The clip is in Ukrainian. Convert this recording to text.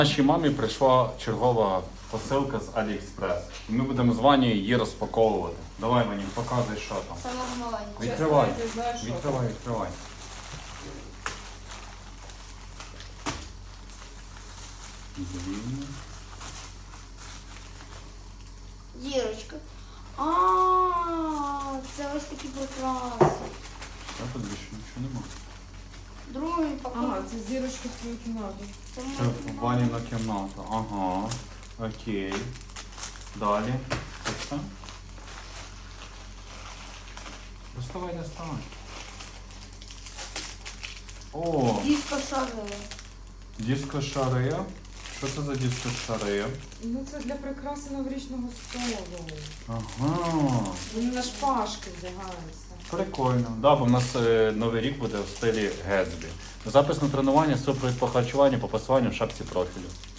Нашій мамі прийшла чергова посилка з Аліекспрес. І ми будемо з Ванею її розпаковувати. Давай, Ваня, показуй, що там. Самого маленького. Відкривай. Чесно, я не знаю, що Відкривай, відкривай. Дірочка. А, це ось такі прикраси. Все, тут більше нічого нема. Другий пакунок. Ага, це зірочки в твою кімнату. Це Це моя Ваніна кімната. Ага. Окей. Далі. Це все? Доставай, доставай. О, диско шарила. диско шарея. Що це за диско шарея? Ну це для прикраси новорічного столу. Ага. Вони на шпажки вдягаються. Прикольно. Да, бо в нас новий рік буде в стилі Гетсбі. Запис на тренування, супровід по харчуванню, по пасуванню в шапці профілю.